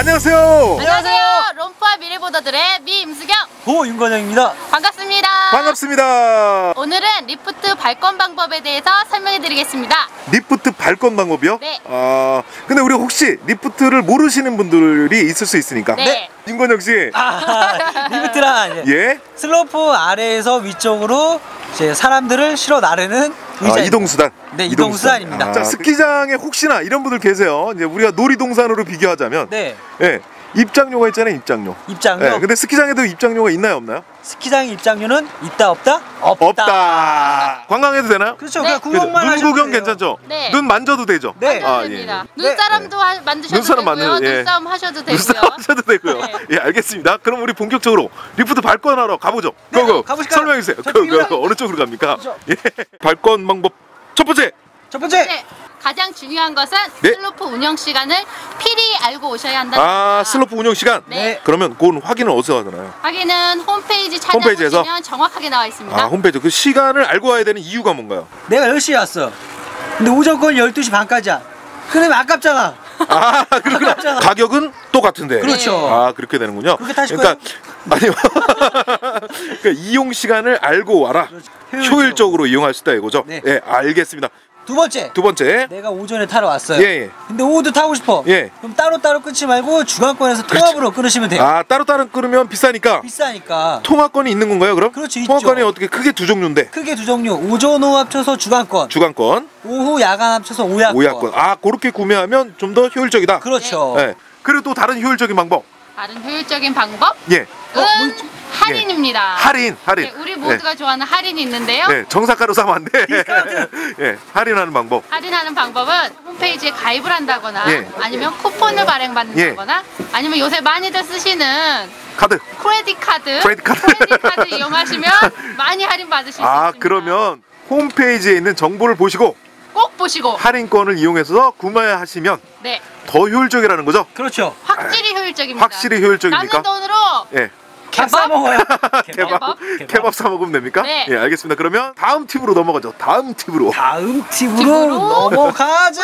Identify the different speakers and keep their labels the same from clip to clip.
Speaker 1: 안녕하세요.
Speaker 2: 안녕하세요. 롬프와 미래보더들의 미임수경,
Speaker 3: 고윤건영입니다.
Speaker 2: 반갑습니다.
Speaker 1: 반갑습니다.
Speaker 2: 오늘은 리프트 발권 방법에 대해서 설명해 드리겠습니다.
Speaker 1: 리프트 발권 방법이요?
Speaker 2: 네.
Speaker 1: 근데 우리 혹시 리프트를 모르시는 분들이 있을 수 있으니까.
Speaker 2: 네.
Speaker 1: 윤건영 씨.
Speaker 3: 리프트란
Speaker 1: 예.
Speaker 3: 슬로프 아래에서 위쪽으로 이제 사람들을 실어 나르는 의자.
Speaker 1: 이동수단.
Speaker 3: 네, 이동수단입니다.
Speaker 1: 자, 스키장에 혹시나 이런 분들 계세요. 이제 우리가 놀이동산으로 비교하자면.
Speaker 3: 네.
Speaker 1: 예. 입장료가 있잖아요, 입장료.
Speaker 3: 입장료.
Speaker 1: 예. 근데 스키장에도 입장료가 있나요, 없나요?
Speaker 3: 스키장 입장료는 있다 없다?
Speaker 1: 없다. 관광해도 되나요?
Speaker 3: 그렇죠.
Speaker 2: 네.
Speaker 3: 그냥 구경만
Speaker 1: 눈
Speaker 3: 하셔도
Speaker 1: 구경
Speaker 3: 돼요.
Speaker 1: 괜찮죠?
Speaker 2: 네.
Speaker 1: 눈 만져도 되죠?
Speaker 3: 네.
Speaker 2: 만져도 됩니다.
Speaker 3: 네.
Speaker 2: 눈사람도 만드셔도
Speaker 1: 눈사람
Speaker 2: 되고요.
Speaker 1: 만드셔도, 예.
Speaker 2: 눈싸움 하셔도 되고요.
Speaker 1: 눈싸움 하셔도 되고요.
Speaker 2: 네.
Speaker 1: 예, 알겠습니다. 그럼 우리 본격적으로 리프트 발권하러 가보죠.
Speaker 3: 네,
Speaker 1: 고고.
Speaker 3: 가보실까요?
Speaker 1: 설명해 주세요.
Speaker 3: 저쪽이요.
Speaker 1: 어느 쪽으로 갑니까?
Speaker 3: 그렇죠.
Speaker 1: 예. 발권 방법 첫 번째.
Speaker 3: 첫 번째.
Speaker 2: 네. 가장 중요한 것은
Speaker 1: 네.
Speaker 2: 슬로프 운영 시간을 필히 알고 오셔야 한다.
Speaker 1: 슬로프 운영 시간.
Speaker 2: 네.
Speaker 1: 그러면 그건 확인을 어디서 하나요?
Speaker 2: 확인은 홈페이지
Speaker 1: 홈페이지에서?
Speaker 2: 찾아보시면 정확하게 나와 있습니다.
Speaker 1: 홈페이지. 그 시간을 알고 와야 되는 이유가 뭔가요?
Speaker 3: 내가 10시에 왔어. 근데 오전권 12시 반까지야. 그러면 아깝잖아.
Speaker 1: 그렇구나.
Speaker 3: 아깝잖아.
Speaker 1: 가격은 똑같은데.
Speaker 3: 그렇죠.
Speaker 1: 그렇게 되는군요.
Speaker 3: 그렇게 타실
Speaker 1: 아니요. 그러니까 이용 시간을 알고 와라. 효율적으로 이용할 수 있다 이거죠?
Speaker 3: 네.
Speaker 1: 예, 알겠습니다.
Speaker 3: 두 번째.
Speaker 1: 두 번째.
Speaker 3: 내가 오전에 타러 왔어요.
Speaker 1: 예.
Speaker 3: 근데 오후도 타고 싶어.
Speaker 1: 예.
Speaker 3: 그럼 따로따로 끊지 말고 주간권에서 통합으로 끊으시면 돼요.
Speaker 1: 따로따로 끊으면 비싸니까
Speaker 3: 비싸니까.
Speaker 1: 통화권이 있는 건가요, 그럼?
Speaker 3: 그렇죠,
Speaker 1: 통화권이
Speaker 3: 있죠.
Speaker 1: 어떻게 크게 두 종류인데.
Speaker 3: 크게 두 종류. 오전 오후 합쳐서 주간권.
Speaker 1: 주간권,
Speaker 3: 오후 야간 합쳐서 오야권.
Speaker 1: 오야권. 그렇게 구매하면 좀 더 효율적이다.
Speaker 3: 그렇죠.
Speaker 1: 예. 그리고 또 다른 효율적인 방법.
Speaker 2: 다른 효율적인 방법?
Speaker 1: 예.
Speaker 2: 할인입니다.
Speaker 1: 할인.
Speaker 2: 네, 우리 모두가 좋아하는 할인이 있는데요.
Speaker 1: 예. 정사가로 사면 안 돼. 예. 할인하는 방법.
Speaker 2: 할인하는 방법은 홈페이지에 가입을 한다거나
Speaker 1: 예.
Speaker 2: 아니면 쿠폰을 발행받는다거나 아니면 요새 많이들 쓰시는
Speaker 1: 카드.
Speaker 2: 크레딧 카드 이용하시면 많이 할인 받으실 수 있습니다.
Speaker 1: 그러면 홈페이지에 있는 정보를 보시고
Speaker 2: 꼭 보시고
Speaker 1: 할인권을 이용해서 구매하시면
Speaker 2: 네,
Speaker 1: 더 효율적이라는 거죠?
Speaker 3: 그렇죠.
Speaker 2: 확실히 효율적입니다.
Speaker 1: 확실히 효율적입니까?
Speaker 2: 남는 돈으로
Speaker 1: 예.
Speaker 3: 밥 사 먹어요.
Speaker 1: 케밥 사 먹으면 됩니까?
Speaker 2: 네.
Speaker 1: 예, 알겠습니다. 그러면 다음 팁으로 넘어가죠. 다음 팁으로.
Speaker 3: 다음 팁으로 넘어가자.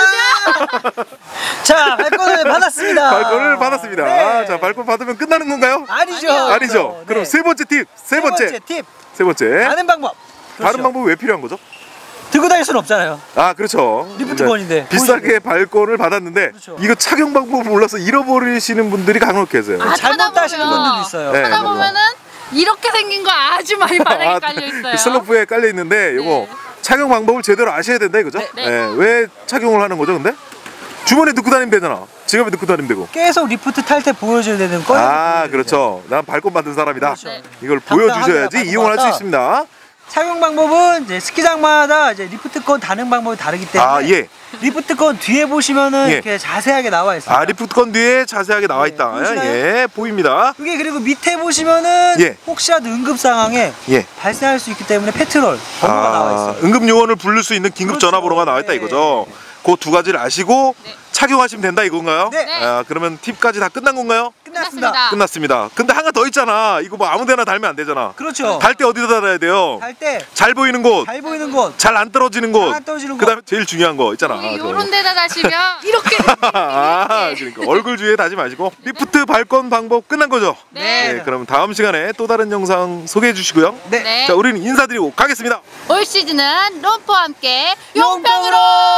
Speaker 3: 자, 발권을 받았습니다.
Speaker 1: 발권을 받았습니다.
Speaker 3: 네.
Speaker 1: 자, 발권 받으면 끝나는 건가요?
Speaker 3: 아니죠.
Speaker 1: 아니죠.
Speaker 3: 네.
Speaker 1: 그럼 세 번째 팁. 세 번째
Speaker 3: 팁.
Speaker 1: 세 번째.
Speaker 3: 다른 방법. 그렇죠.
Speaker 1: 다른 방법이 왜 필요한 거죠?
Speaker 3: 들고 다닐 수는 없잖아요.
Speaker 1: 그렇죠.
Speaker 3: 리프트권인데.
Speaker 1: 비싸게 발권을 받았는데
Speaker 3: 그렇죠.
Speaker 1: 이거 착용 방법을 몰라서 잃어버리시는 분들이 간혹 계세요.
Speaker 3: 잘못 따시는 분들도 있어요.
Speaker 1: 네.
Speaker 2: 찾아보면은 이렇게 생긴 거 아주 많이 바닥에 깔려 있어요.
Speaker 1: 그 슬로프에 깔려 있는데 이거 착용 방법을 제대로 아셔야 된다 이거죠?
Speaker 2: 네.
Speaker 1: 왜 착용을 하는 거죠, 근데? 주머니에 넣고 다니면 되잖아. 지갑에 넣고 다니면 되고.
Speaker 3: 계속 리프트 탈 때 보여줘야 되는 거예요.
Speaker 1: 그렇죠. 난 발권 받은 사람이다.
Speaker 3: 그렇죠.
Speaker 2: 네.
Speaker 1: 이걸
Speaker 3: 당당하게
Speaker 1: 보여주셔야지
Speaker 3: 발권
Speaker 1: 이용을 할 수
Speaker 3: 받았다.
Speaker 1: 있습니다.
Speaker 3: 착용 방법은 이제 스키장마다 이제 리프트권 다는 방법이 다르기 때문에
Speaker 1: 예.
Speaker 3: 리프트권 뒤에 보시면은
Speaker 1: 예.
Speaker 3: 이렇게 자세하게 나와 있어요.
Speaker 1: 리프트권 뒤에 자세하게 나와 있다.
Speaker 3: 보이시나요?
Speaker 1: 예, 보입니다.
Speaker 3: 그게 그리고 밑에 보시면은
Speaker 1: 예.
Speaker 3: 혹시라도 응급 상황에
Speaker 1: 예.
Speaker 3: 발생할 수 있기 때문에 페트롤 번호가 나와 있어요.
Speaker 1: 응급 요원을 부를 수 있는 긴급
Speaker 3: 그렇죠.
Speaker 1: 전화번호가 나와 있다
Speaker 3: 네.
Speaker 1: 이거죠. 그 두 가지를 아시고
Speaker 2: 네.
Speaker 1: 착용하시면 된다 이건가요?
Speaker 3: 네.
Speaker 1: 그러면 팁까지 다 끝난 건가요?
Speaker 3: 끝났습니다.
Speaker 1: 끝났습니다. 근데 하나 더 있잖아. 이거 뭐 아무데나 달면 안 되잖아.
Speaker 3: 그렇죠.
Speaker 1: 달 때 어디다 달아야 돼요?
Speaker 3: 달 때
Speaker 1: 잘 보이는 곳,
Speaker 3: 잘 보이는 곳,
Speaker 1: 잘 안 떨어지는 곳,
Speaker 3: 잘안 떨어지는 곳.
Speaker 1: 그다음에 제일 중요한 거 있잖아.
Speaker 2: 요런 데다 다시면 이렇게
Speaker 1: 그러니까 얼굴 주위에 다지 마시고 리프트 발권 방법 끝난 거죠?
Speaker 2: 네.
Speaker 1: 그럼 다음 시간에 또 다른 영상 소개해 주시고요.
Speaker 3: 네.
Speaker 2: 네.
Speaker 1: 자, 우리는 인사드리고 가겠습니다.
Speaker 2: 올 시즌은 롬프와 함께 용병으로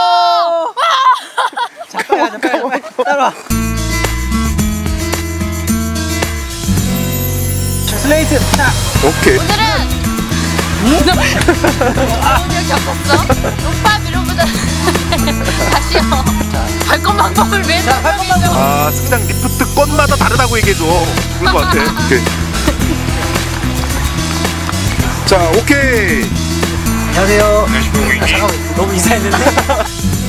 Speaker 3: 자, 빨리 가자, 빨리 따라와. 자, 슬레이트 딱.
Speaker 1: 오케이.
Speaker 2: 오늘은 오늘 겪었어. 롬프와 미로보다 다시요. 발권 방법을 왜
Speaker 3: 발권 방법.
Speaker 1: 스키장 리프트 건마다 다르다고 얘기해줘. 그럴 것 같아. 오케이. 자, 오케이.
Speaker 3: 안녕하세요. 잠깐만, 너무 인사했는데.